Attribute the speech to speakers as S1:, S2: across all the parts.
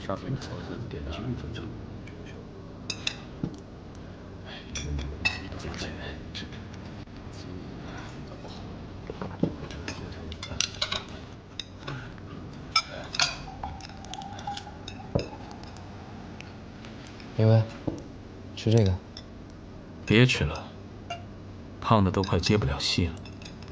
S1: 上面操作点击率分成。
S2: 明威，吃这个。
S1: 别吃了，胖的都快接不了戏了。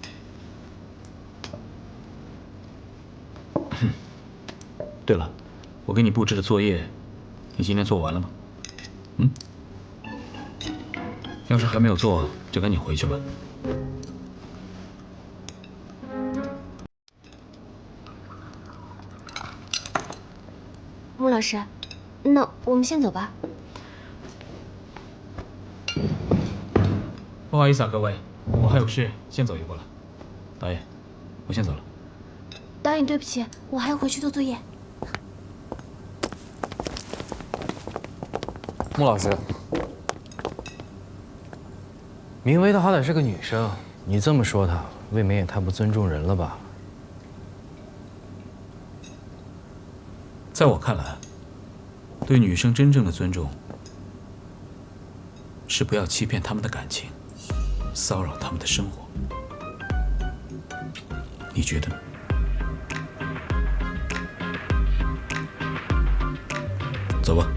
S1: 对了，我给你布置的作业，你今天做完了吗？要是还没有做，就赶紧回去吧。
S3: 穆老师，那我们先走吧。
S1: 不好意思啊，各位，我还有事，先走一步了。导演，我先走了。
S3: 导演，对不起，我还要回去做作业。
S2: 穆老师，明薇她好歹是个女生，你这么说她，未免也太不尊重人了吧？
S1: 在我看来，对女生真正的尊重，是不要欺骗她们的感情，骚扰她们的生活。你觉得呢？走吧。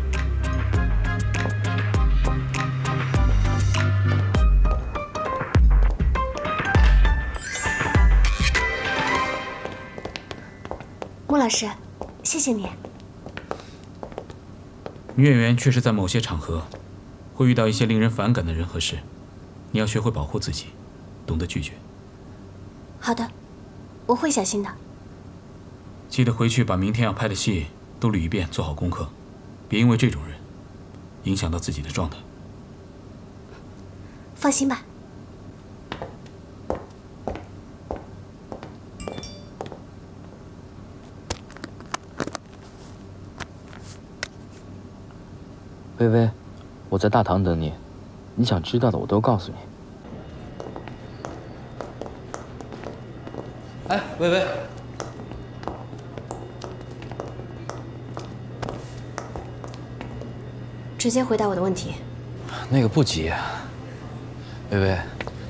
S3: 穆老师，谢谢你。
S1: 女演员确实在某些场合会遇到一些令人反感的人和事，你要学会保护自己，懂得拒绝。
S3: 好的，我会小心的。
S1: 记得回去把明天要拍的戏都捋一遍，做好功课，别因为这种人影响到自己的状态。
S3: 放心吧。
S2: 薇薇，我在大堂等你，你想知道的我都告诉你。哎，薇薇，
S3: 直接回答我的问题。
S2: 那个不急。薇薇，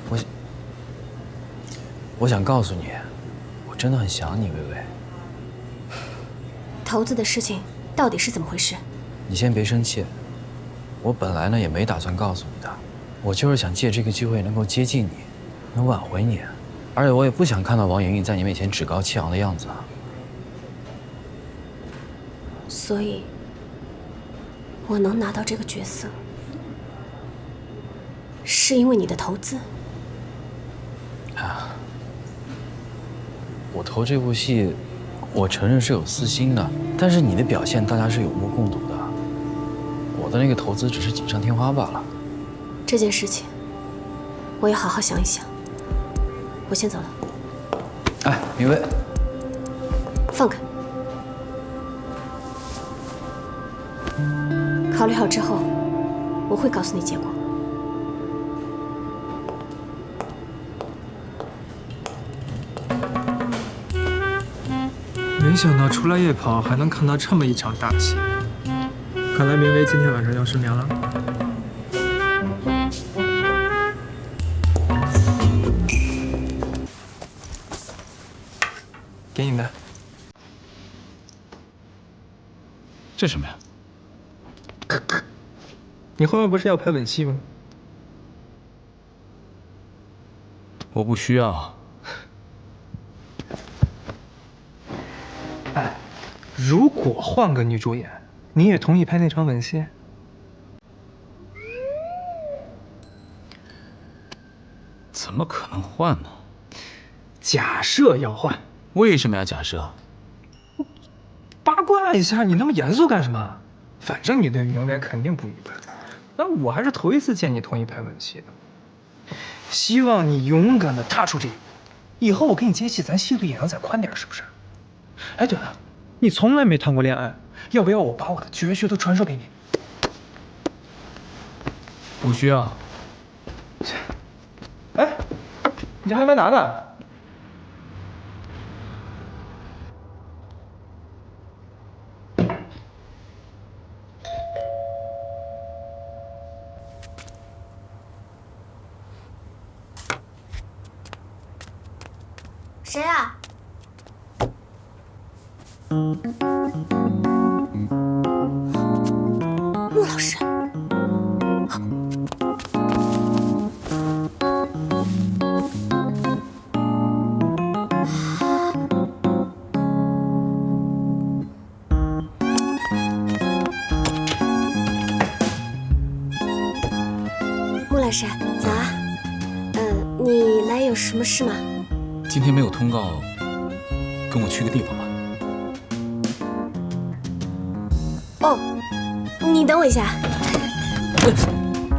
S2: 我想告诉你，我真的很想你，薇薇。
S3: 头子的事情到底是怎么回事？
S2: 你先别生气，我本来呢也没打算告诉你的，我就是想借这个机会能够接近你，能挽回你，而且我也不想看到王莹莹在你面前趾高气扬的样子啊。
S3: 所以，我能拿到这个角色，是因为你的投资。
S2: 我投这部戏，我承认是有私心的，但是你的表现大家是有目共睹的。我的那个投资只是锦上添花罢了。
S3: 这件事情，我要好好想一想。我先走了。
S2: 哎，明薇，
S3: 放开。考虑好之后，我会告诉你结果。
S4: 没想到出来夜跑还能看到这么一场大戏，看来明薇今天晚上要失眠了。给你的。
S1: 这什么呀？
S4: 你后面不是要拍吻戏吗？
S1: 我不需要。
S4: 哎，如果换个女主演，你也同意拍那场吻戏？
S1: 怎么可能换呢？
S4: 假设要换，
S1: 为什么要假设？
S4: 八卦一下，你那么严肃干什么？反正你对明薇肯定不愉快，但我还是头一次见你同意拍吻戏的。希望你勇敢的踏出这一步，以后我给你接戏，咱戏路也能再宽点，是不是？哎，对了，你从来没谈过恋爱，要不要我把我的绝学都传授给你？
S1: 不需要。
S4: 哎，你还没拿呢。
S3: 谁啊？穆老师。穆老师，早啊。你来有什么事吗？
S1: 今天没有通告，跟我去个地方吧。
S3: 哦，你等我一下。